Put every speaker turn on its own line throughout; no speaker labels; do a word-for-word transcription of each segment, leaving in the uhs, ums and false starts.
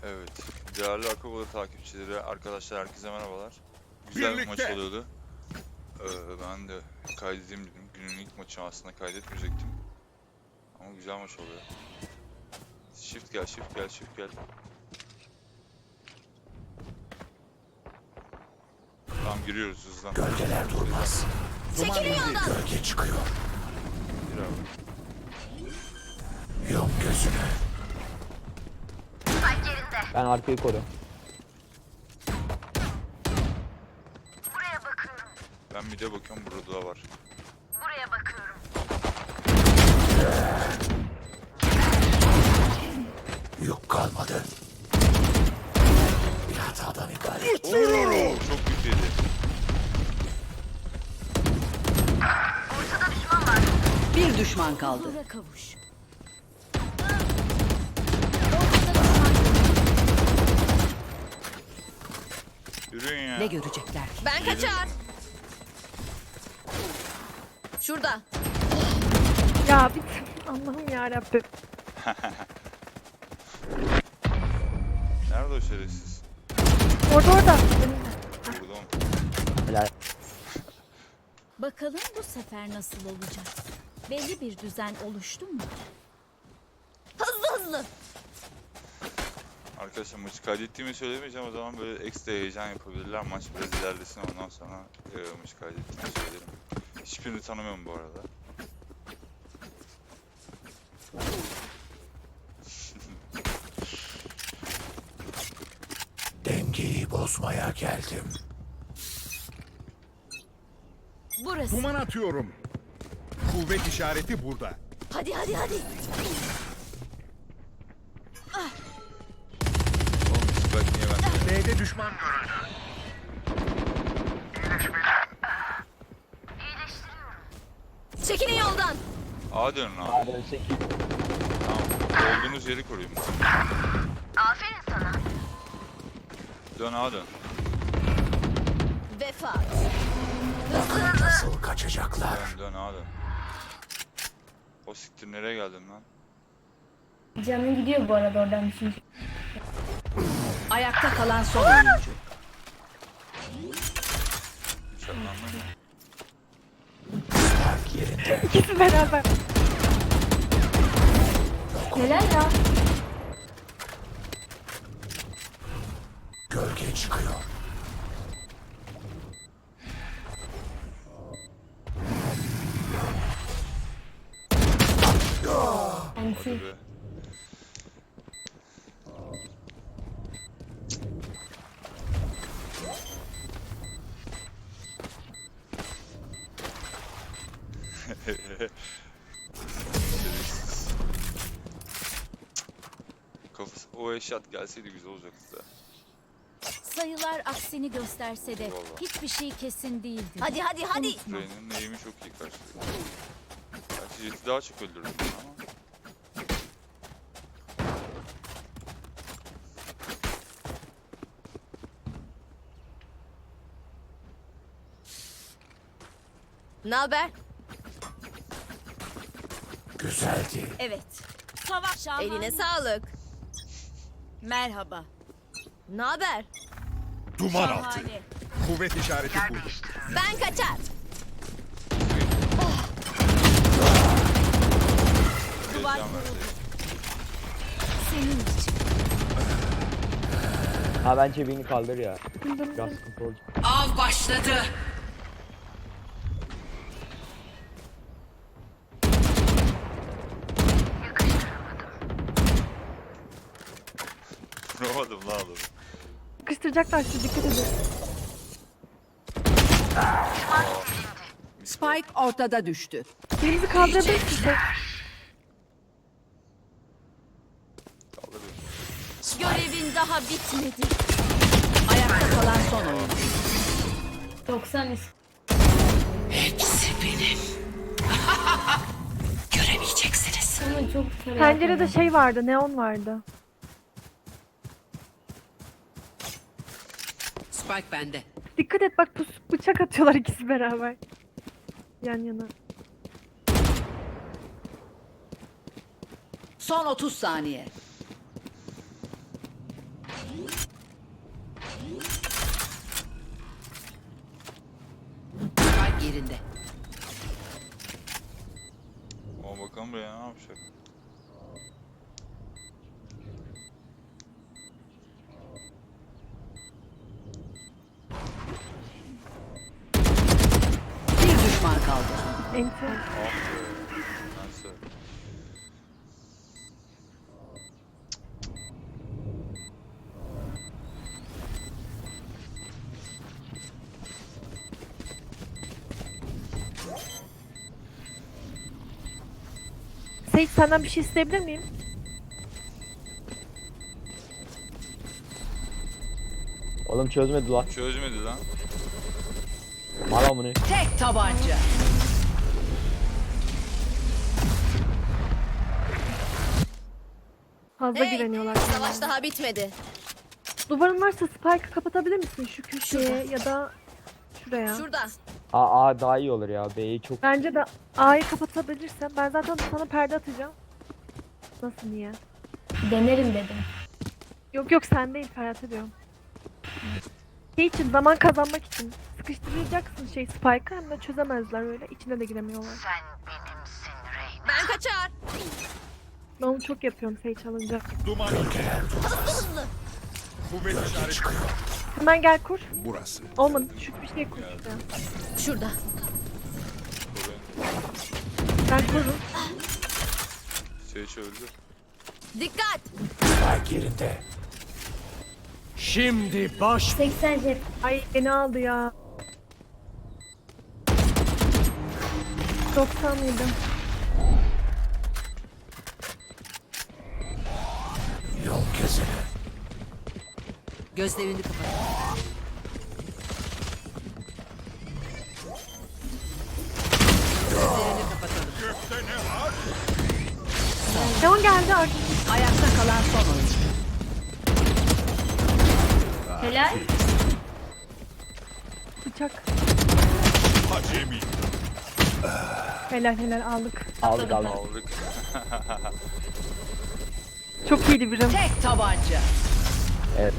Evet, değerli Akabolu takipçileri, arkadaşlar herkese merhabalar. Güzel bir maç oluyordu. Ee, ben de kaydedeyim dedim. Günün ilk maçı aslında kaydetmeyecektim. Ama güzel maç oluyor. Shift gel, shift gel, shift gel. Tamam, giriyoruz hızlan.
Gölgeler durmaz.
Çekilin yoldan.
Gölge çıkıyor.
Gir abi.
Yum gözünü.
Ben arkayı koruyorum.
Ben bir de bakıyorum, burada da var.
Buraya bakıyorum.
Yük kalmadı. Bir hatadan ibaret.
Oo, çok kötüydü.
Ortada düşman var.
Bir düşman kaldı.
Huzura kavuş. Ortada düşman.
Yürüyün ya.
Ne görecekler ki?
Ben kaçar. Şurada.
Ya bir Allah'ım yarabbim.
Nerede o şerefsiz?
Orada orada.
Burada mı?
Helal.
Bakalım bu sefer nasıl olacak? Belli bir düzen oluştu mu?
Hızlı hızlı.
Arkadaşlar maçı kaydettiğimi söylemeyeceğim, o zaman böyle ekstra heyecan yapabilirler. Maç biraz ilerlesin, ondan sonra e, maçı kaydettiğimi söylerim. Hiçbirini tanımıyorum bu arada.
Dengeyi bozmaya geldim.
Burası.
Duman atıyorum. Kuvvet işareti burada.
Hadi hadi hadi.
Oğlum Spike niye bende?
B'de düşman görüldü.
Çekilin yoldan.
A dönün abi.
Hadi sekiz.
Tamam. Olduğunuz yeri koruyun.
Aferin sana.
Dön A dön.
Vefa.
Bakın nasıl kaçacaklar.
Dön dön A dön. O siktir, nereye geldin lan?
Canın gidiyor bu arada oradan düşünce.
Ayakta kalan son oyuncu.
Hiç anlamam.
Park yerinde.
İkisi beraber.
Neler ya?
Gölge çıkıyor.
Anti.
Hadi be. Kafası, o eşat gelseydi güzel olacaktı da.
Sayılar aksini gösterse de
Eyvallah.
hiçbir şey kesin değildi.
Hadi hadi hadi.
Rey'nin eğimi çok iyi karşılıyor. Gerçi Jet'i daha çok öldürdüm ama.
Ne haber?
Güzeldi.
Evet.
Savaş şahane.
Eline sağlık.
Merhaba.
Ne haber?
Duman altı.
Şahane.
Kuvvet işareti burada.
Ben kaçar.
Duvar
Heyecan
kuruldu.
verdi.
Senin için.
Ha bence beni kaldır ya. Biraz sıkıntı olacak.
Av başladı.
Vuramadım lan adamı.
Sıkıştıracaklar sizi, dikkat edin.
Spike ortada düştü.
Birimizi kaldırabilir size.
Kaldır beni.
Görevin daha bitmedi.
Ayakta kalan son oyuncu.
doksan is.
Hepsi benim. Göremeyeceksiniz.
Ama çok sarı.
Pencerede şey vardı, neon vardı.
Spike bende.
Dikkat et bak, pus bıçak atıyorlar ikisi beraber. Yan yana.
Son otuz saniye. Spike yerinde.
Ama bakalım buraya ne yapacak.
Bir düşman kaldı.
Enti.
Ah be. Neyse.
Seyit senden bir şey isteyebilir miyim?
Oğlum çözmedi lan.
Çözmedi lan.
Mal amını.
Tek tabanca.
Fazla
Hey,
güveniyorlar.
savaş daha bitmedi.
Duvarın varsa Spike'ı kapatabilir misin şu köşeye ya da şuraya?
Şurada.
A, A daha iyi olur ya. B'yi çok...
Bence de A'yı kapatabilirsen ben zaten sana perde atacağım. Nasıl niye?
Denerim dedim.
Yok yok sen değil Ferhat'a diyorum. Şey için zaman kazanmak için sıkıştıracaksın şey Spike'ı hem de çözemezler öyle içine de giremiyorlar.
Ben kaçar.
Ben onu çok yapıyorum Sage alınca.
Duman
Gölgeler durmaz.
kuvvet işareti
Çıkıyor.
Hemen gel kur.
burası.
Olmadı şu bir şey kur işte.
Şurada.
Ben kururum.
Sage öldü.
Dikkat.
Spike yerinde.
Şimdi baş
seksen jet.
Ay beni aldı ya. doksan mıydı?
Yol kesene.
Gözlerini kapat. Gözlerini kapatalım.
Leon geldi artık.
Ayakta kalan son oyuncu.
Helal.
Bıçak.
acemi.
Helal helal aldık.
Aldık aldık.
Aldık.
Çok iyiydi birim.
Tek tabanca.
Evet.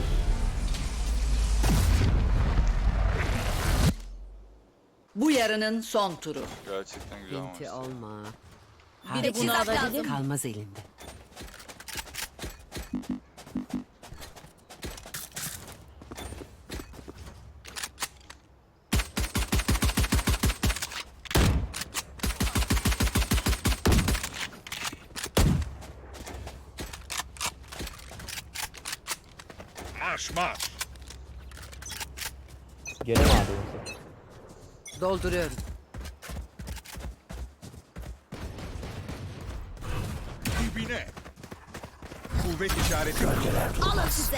Bu yarının son turu.
Gerçekten güzel
Binti
maçtı.
olma.
Bir de bunu alabilir.
Kalmaz elinde.
Marş marş.
Gene mi aldı yoksa?
Dolduruyorum.
Dibine. Kuvvet işareti burada.
Gölgeler
Alın
durmaz.
size.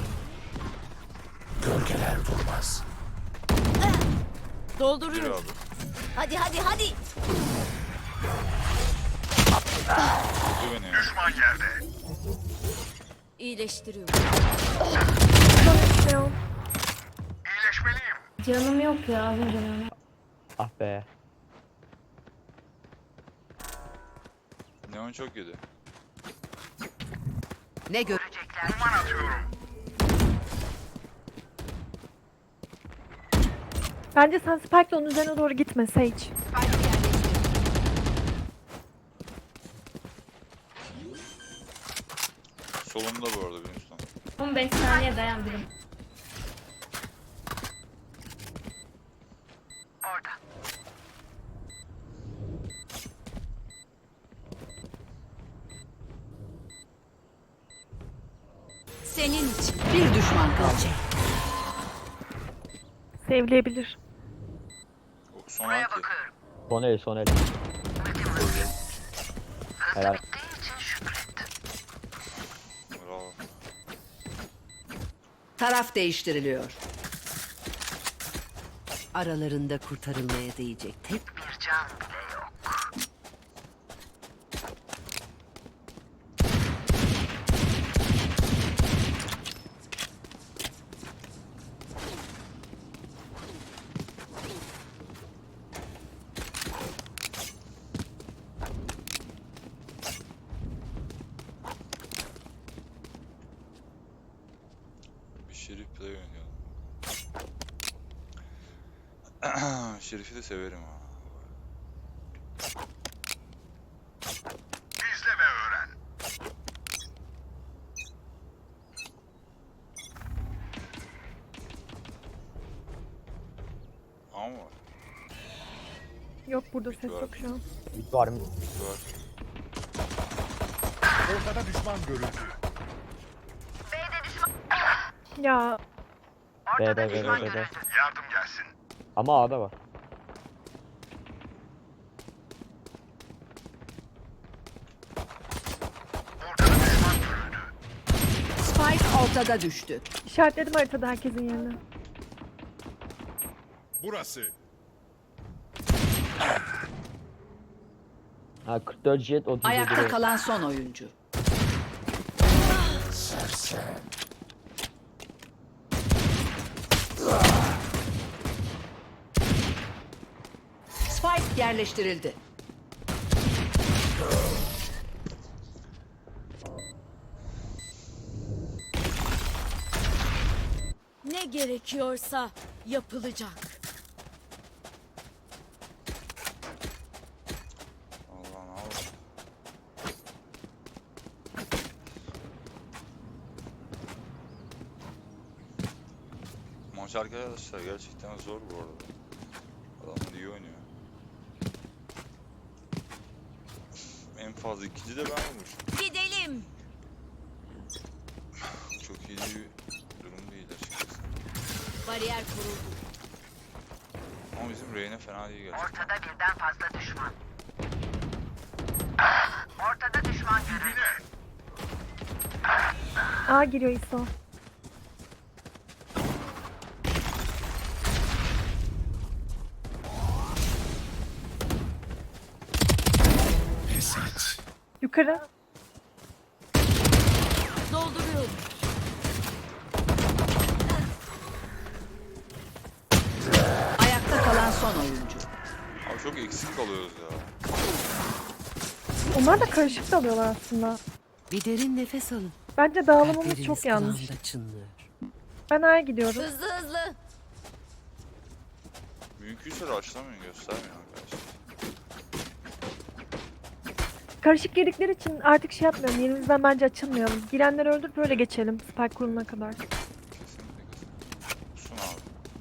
Gölgeler durmaz.
Bir
Dolduruyorum.
abi.
Hadi hadi hadi.
Öldü beni ya.
İyileştiriyorum.
Leon.
Canım yok ya az önce ben.
Ah be.
Neon çok yedi.
Ne görecekler?
Bence sen Spike'la onun üzerine doğru gitme Sage.
Solumda bu arada benim üstten.
on beş saniye dayan birim.
Senin için.
Bir düşman kaldı.
Sevleyebilir.
O son anki.
Son el son el. Helal.
Bravo.
Taraf değiştiriliyor. Aralarında kurtarılmaya değecek tek bir can bile yok.
Şerif play oynayalım. Şerif'i de severim ha.
İzle ve öğren.
Ama
Yok burada ses yok şu an.
Mid var mı?
var.
Ortada düşman görüldü.
Ya
B B B B B.
Yardım gelsin.
Ama A'da var.
Spike ortada düştü.
işaretledim haritada herkesin yerini.
Burası.
Ha kırk dört jet otuz yedi.
Ayakta kalan son oyuncu.
Sersem.
Spike yerleştirildi.
Ne gerekiyorsa yapılacak.
Allah ne oldu? Maç arkadaşlar gerçekten zor bu arada. Adamlar iyi oynuyor. En fazla ikinci de ben olmuşum.
Gidelim.
Çok iyi bir durum değil açıkçası.
Bariyer kuruldu.
Ama bizim Reyna fena değil gerçekten.
Ortada birden fazla düşman. Ortada düşman görüldü.
A giriyor İso.
Pes et.
Yukarı.
Dolduruyorum.
Ayakta kalan son oyuncu.
Abi çok eksik kalıyoruz ya.
Onlar da karışık dalıyorlar aslında.
Bir derin nefes alın.
Bence dağılımımız
Kalpleriniz
çok yanlış.
kulağımda çınlıyor.
Ben A'ya gidiyorum.
Hızlı hızlı.
Mümkünse rushlamayın, göstermeyin arkadaşlar.
Karışık girdikleri için artık şey yapmıyorum. Yerimizden bence açılmayalım. Girenleri öldürüp böyle geçelim. Spike kuruluna kadar.
Kesinlikle kesinlikle. Sun abi.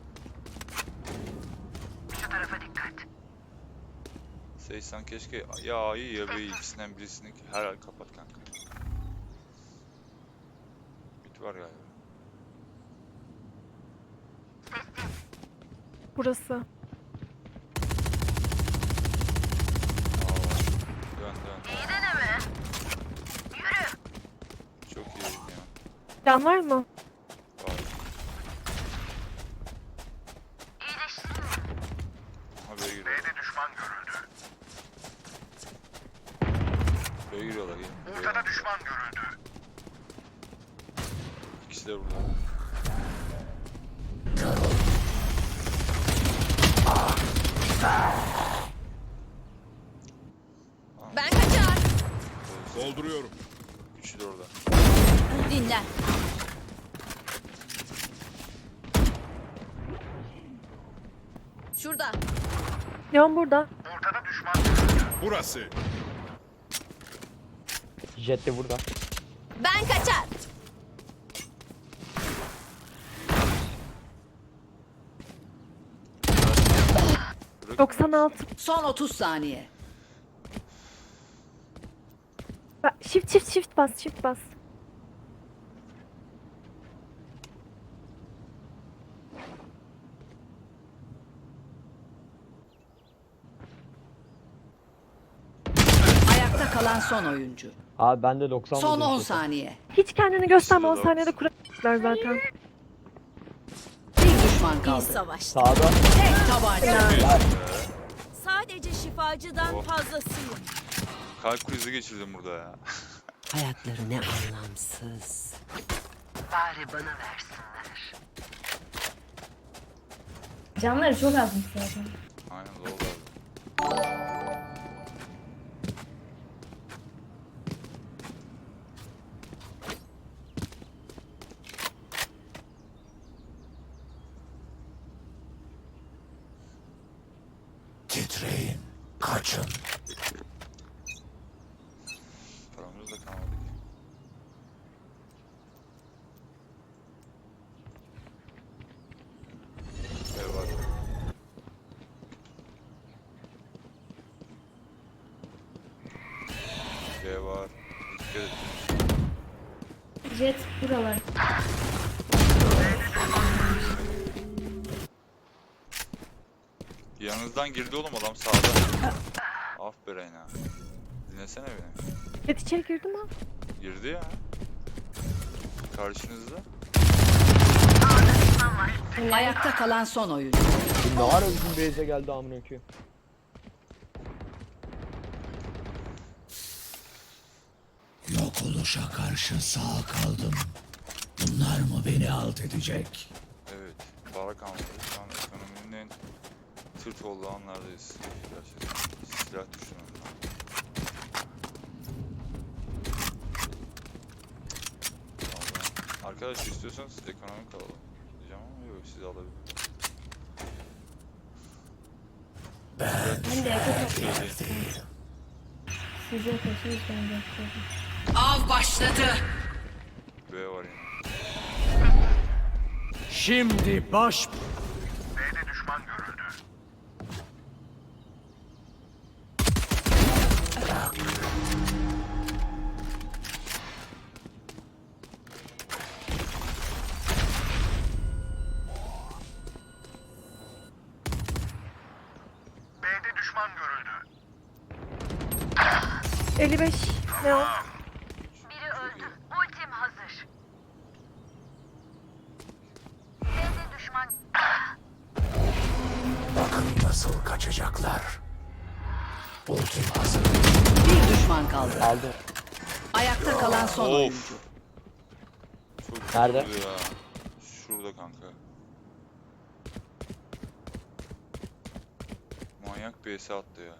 Şu tarafa dikkat.
Seysan keşke ya A'yı ya B'yi ikisinden birisini her ay kapat kanka. Bit var galiba.
Burası.
Aa, dön dön.
İyi deneme. Yürü.
Çok iyi ya.
Can var mı?
Var.
İyileştirin.
Aha B'ye giriyorlar.
B'de düşman görüldü.
B'ye giriyorlar. Gel.
Ortada düşman görüldü.
İkisi de burada.
Ben kaçar.
Dolduruyorum.
Üçü de orada.
Dinlen. Şurada.
Leon burada.
Ortada düşman görüldü. Burası.
Jet de burada.
Ben kaçar.
Bırak-
doksan altı.
Son otuz saniye.
Bak, Shift shift shift bas shift bas.
Ayakta kalan son oyuncu.
Abi bende doksan
Son
vurdum
on
jet'e.
saniye.
Hiç kendini gösterme. on
Şurada.
saniyede kuracaklar zaten.
Bir düşman
İyi
kaldı.
savaş.
Sağda.
Tek tabanca.
Sadece şifacıdan
Oh.
fazlasıyım.
Kalp krizi geçirdim burada ya.
Hayatları ne anlamsız.
Bari bana versinler.
Canları çok azmış zaten.
Aynen oldu abi.
Titreyin. Kaçın.
Paramız da kalmadı ki. B var. B var. Dikkat et.
Jet buralar.
Yanınızdan girdi oğlum adam sağda. Aferin ha. Dinlesene beni.
Jet içeri girdi mi?
Girdi ya. Karşınızda.
Ayakta kalan son oyuncu.
Ne ara bizim base'e geldi amına koyayım.
Yok oluşa karşı sağ kaldım. Bunlar mı beni alt edecek?
Evet. Para kalmadı. Şu an ekonominin en tırt olduğu anlardayız. Gerçekten. Silah düşünün. Vallahi. Arkadaş istiyorsanız ekonomik alalım. Diyeceğim ama yok siz alabilirsiniz.
Ben de yakın
Şey,
size koşuyoruz ben de.
Av başladı.
B var yine.
Şimdi baş...
B'de düşman görüldü. B'de düşman görüldü.
elli beş. Ne o?
Biri öldü. Ultim hazır. B'de düşman.
Bakın nasıl kaçacaklar. Ultim hazır.
Bir düşman kaldı.
Aldı.
Ayakta kalan son
Of.
oyuncu.
Çok
Nerede?
kötü ya. Şurada kanka. Manyak bir S attı ya.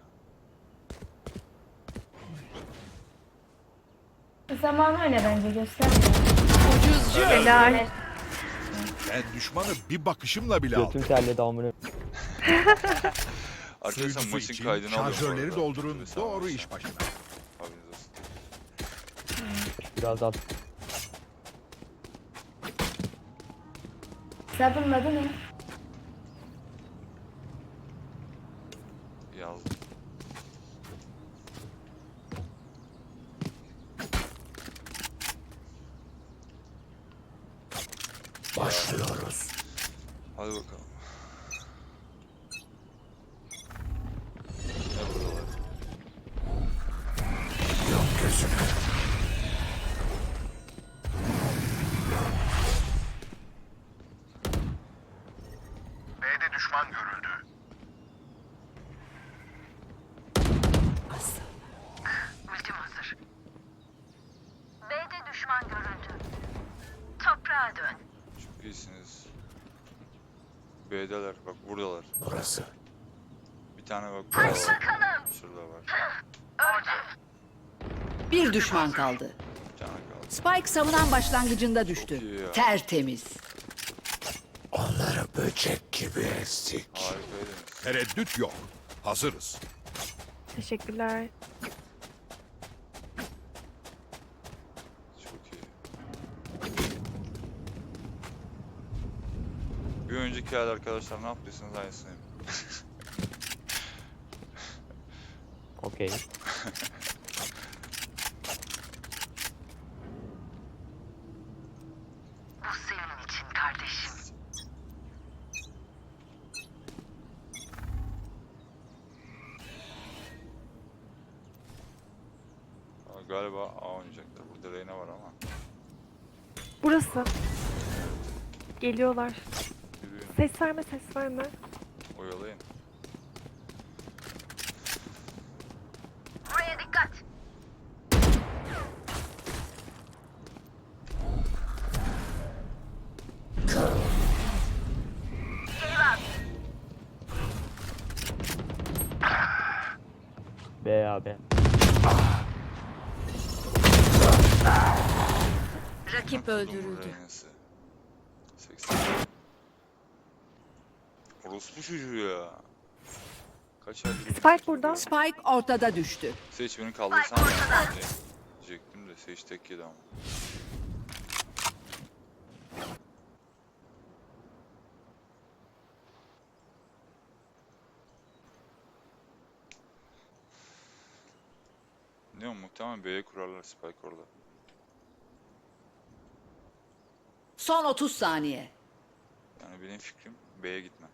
Zaman öyle bence göster.
Helal.
Ben düşmanı bir bakışımla bile aldım.
Götüm terledi amına.
Arkadaşlar
Suyucusu
maçın
için
kaydını alıyorum. bu
şarjörleri
arada.
doldurun.
Mesela
Doğru
maçta.
iş başına.
Haberiniz olsun.
Biraz at.
Hesabın adı ne?
Yazdım.
Başlıyoruz.
Hadi bakalım. Ne buradalar?
Yok gözünü.
B'de düşman görüldü.
Ultim hazır. B'de düşman görüldü. Toprağa dön.
Çok iyisiniz. B'deler. Bak buradalar.
Burası.
Bir tane bak burada
Hadi
var.
bakalım.
Şurada var.
Öldü.
Bir düşman kaldı.
Bir tane kaldı.
Spike savunan başlangıcında
Çok
düştü.
iyi ya.
Tertemiz.
Onları böcek gibi ezdik.
Harikaydınız.
Tereddüt yok. Hazırız.
Teşekkürler.
Çok iyi. Bir önceki ayda arkadaşlar ne yaptıysanız aynısını yapın.
Okey.
Bu senin için kardeşim.
Aa, galiba A oynayacaklar. Burada Reyna var ama.
Burası. Geliyorlar.
Yürüyün.
Ses verme, ses verme.
Oyalayın.
Buraya dikkat.
B abi.
Rakip
Kudumun
öldürüldü.
Reyna'sı. seksen. Orospu çocuğu ya. Kaç aydır
Spike burada.
Spike ortada düştü.
Sage beni kaldırsan ben de diyecektim de Sage tek yedi ama. Ne o, muhtemelen B'ye kurarlar Spike orada.
Son otuz saniye.
Yani benim fikrim B'ye gitme.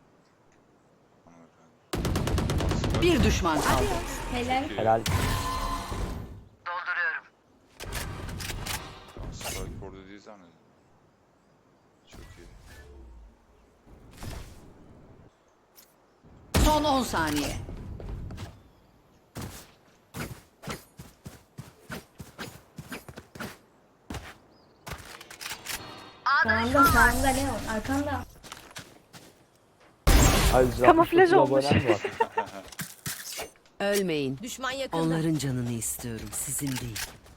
Hanımefendi.
Bir düşman kaldı.
Helal.
Helal.
Dolduruyorum.
Tamam, Spike orada değil zannediyorum. Çok iyi.
Son on saniye.
Sağında sağında Leon. Arkanda.
Ay, yüz altmış
Kamuflaj
dokuz
olmuş.
abonem var.
Ölmeyin.
Düşman yakında.
Onların canını istiyorum, sizin değil.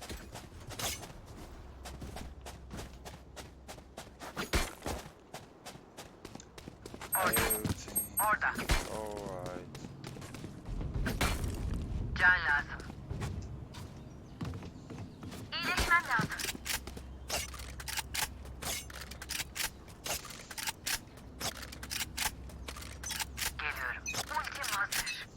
Everything
Orada.
alright.
Can lazım. İyileşmem lazım. Geliyorum. Ultim hazır.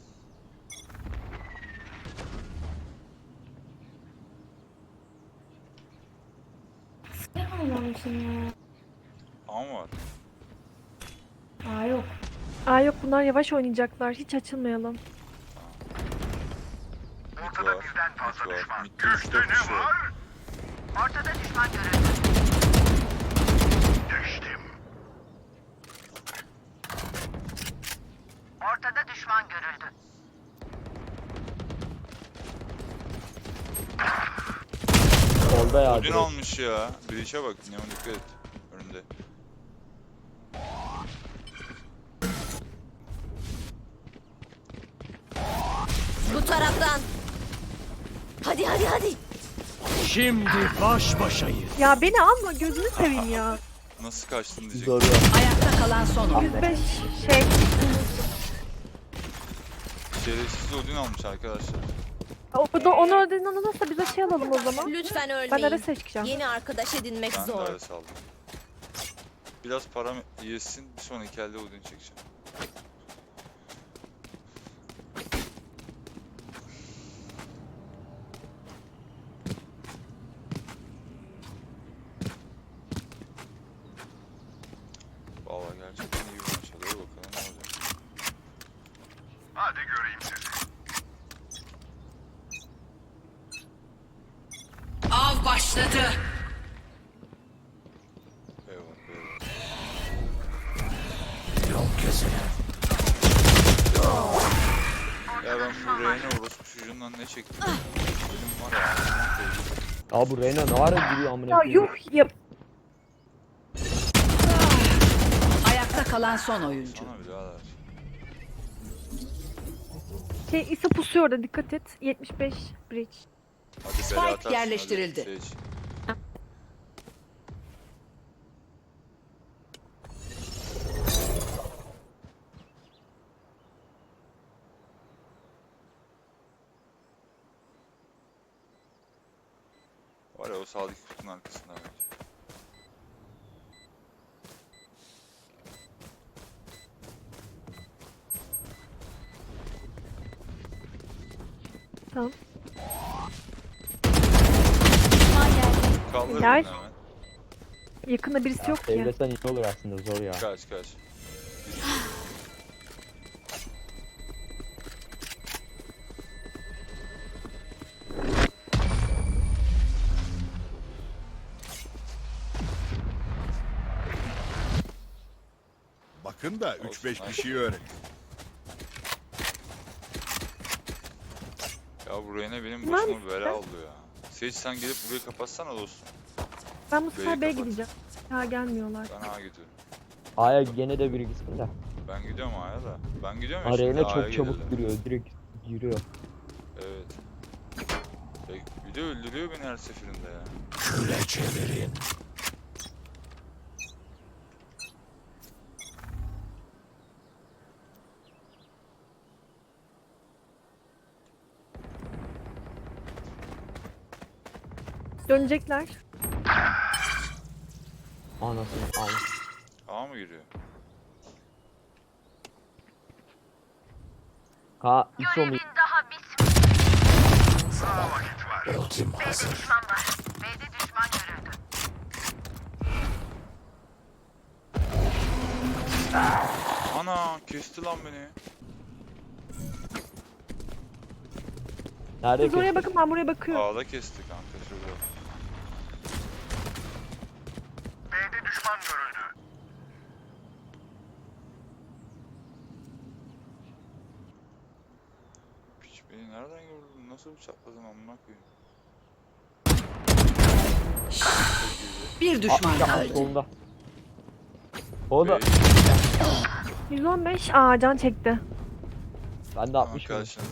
Ne anlamışsın ya?
Ama var.
Aa yok.
Aa yok, bunlar yavaş oynayacaklar. Hiç açılmayalım.
Mid var. Mid var. Mid'de üç dört kişi var.
Ortada düşman görüldü.
Geçtim.
Ortada düşman görüldü.
Solda ya.
Odin
direkt.
almış ya. Breach'e bak. Neon dikkat et. Önünde.
Bu taraftan. Hadi hadi hadi.
Şimdi baş başayız.
Ya beni alma, gözünü seveyim ya.
Nasıl kaçtın diyecek.
Zor ya.
Ayakta kalan son oyun.
yüz beş şey.
Şerefsiz Odin almış arkadaşlar.
O da onu ödediğinden olursa bize şey alalım o zaman.
Lütfen ölmeyin.
Ben ara seçeceğim.
Yeni arkadaş edinmek
Ben de
zor.
öyle saldım. Biraz param yesin. Bir sonraki elde Odin çekeceğim. Vallahi gerçekten iyi bir maç oluyor. Bakalım ne olacak.
Hadi göreyim sizi.
Av başladı.
Eyvallah, eyvallah.
Yol keseler.
Ya ben bu Reyna orospu çocuğundan ne çektim? Benim var ya. ağzımdan koydum.
Ya bu Reyna ne ara giriyor amına
Ya
koyayım.
yuh ya.
Ayakta kalan son oyuncu.
Sana birader.
Şey ise pusuyor orada, dikkat et. yetmiş beş bridge.
Hadi
Spike
bela atarsın,
yerleştirildi.
hadi Sage. Var ya o sağdaki kutunun arkasında bence.
Tamam.
Kaldır bunu
Helal.
hemen.
Yakında birisi yok ki.
Evlesen iyi olur aslında, zor ya.
Kaç kaç.
Bakın da üç
Olsun,
beş
hadi.
bir şey öğrenin.
Ya bu Reyna benim
Lan
başıma
işte.
bela oldu ya. Sage sen gelip burayı kapatsana dostum.
Ben bu sefer
B'yi
B'ye
kapat.
gideceğim. Ha gelmiyorlar.
Ben A'ya gidiyorum.
A'ya gene de biri gitsin de.
Ben gidiyorum A'ya da. Ben gidiyorum ya
Ha,
şimdi
Reyna
A'ya
çok çabuk
gelirler.
giriyor, direkt giriyor.
Evet. Ya bir de öldürüyor beni her seferinde ya.
Küre çevirin.
Dönecekler.
Anasını al.
A mı giriyor?
Ha İso mu?
Görevin daha bitmedi.
Ultim hazır.
Düşman var. B'de düşman görüldü.
Ana kesti lan beni.
Nerede
Siz oraya
ki?
bakın, ben buraya bakıyorum.
A'da kesti kanka şurada.
B'de düşman görüldü.
Piç beni nereden gördün? Nasıl bıçakladın amına koyayım?
Bir düşman
Ya,
kaldı.
solunda. O da
Bey,
yüz on beş. Aa can çekti.
ben de altmış mı?
karşınızda.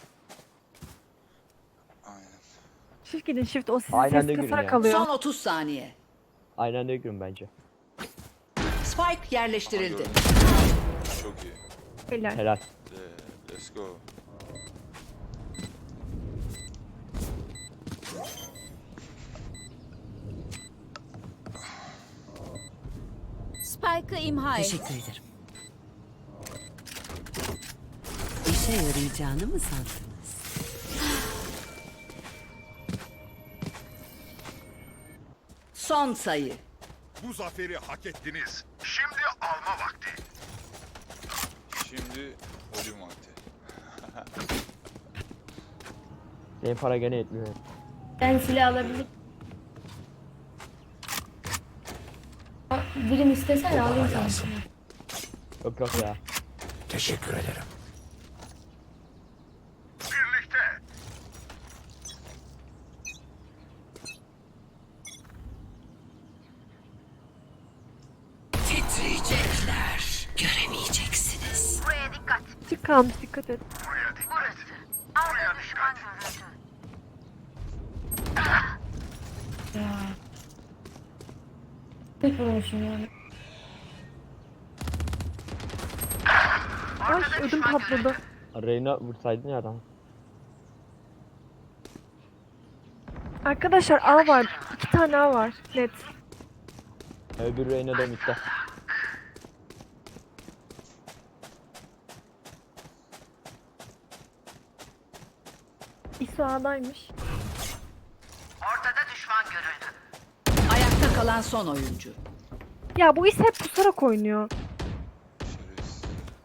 Aynen.
Shift gidin shift. O sizi
Aynen de
ses
girin
kasarak
ya.
kalıyor.
Son otuz saniye.
Aynen de girin bence.
Spike
Aha,
yerleştirildi.
gördüm. Çok iyi.
Helal.
Helal.
Ee, let's go.
Spike'ı imha et.
Teşekkür ederim. İşe yarayacağını mı sandınız? Son sayı.
Bu zaferi hak ettiniz. Şimdi alma vakti.
Şimdi ölüm vakti.
Senin para gene yetmiyor.
Ben silah alabilir. Birim istesen alayım sana.
lazım.
Yok yok ya.
Teşekkür ederim.
Birlikte.
Titriyecekler. Göremeyeceksiniz.
Buraya dikkat.
Çık kalmış, dikkat et.
Burası. A'da düşman görüldü.
Tek vurmuşum yani.
Ay ödüm patladı.
Reyna vursaydın ya adam.
Arkadaşlar A var. İki tane A var. Net.
Öbür Reyna da mitte.
İso A'daymış.
Ortada düşman görüldü.
Ayakta kalan son oyuncu.
Ya bu is hep pusarak oynuyor.
Şerefsiz.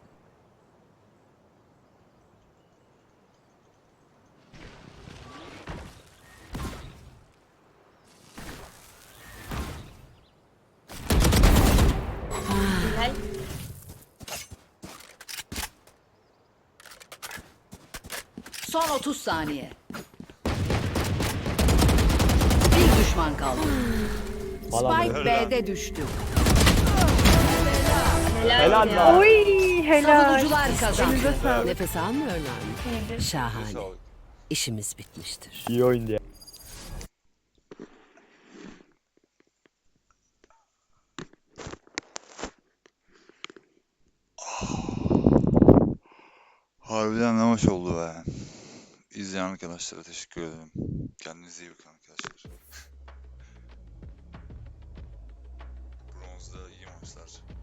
Son otuz saniye. Bir düşman kaldı.
Falan
Spike
böyle.
B'de düştü.
Helal lan.
Oy helal.
Savunucular kazandı.
Elinize sağlık.
Nefes almıyorlar mı? Şahane.
Sağlık.
İşimiz bitmiştir.
İyi oyundu ya.
Harbiden ne hoş oldu be. İzleyen arkadaşlara teşekkür ederim. Kendinize iyi bakın arkadaşlar. Bronzda iyi maçlar.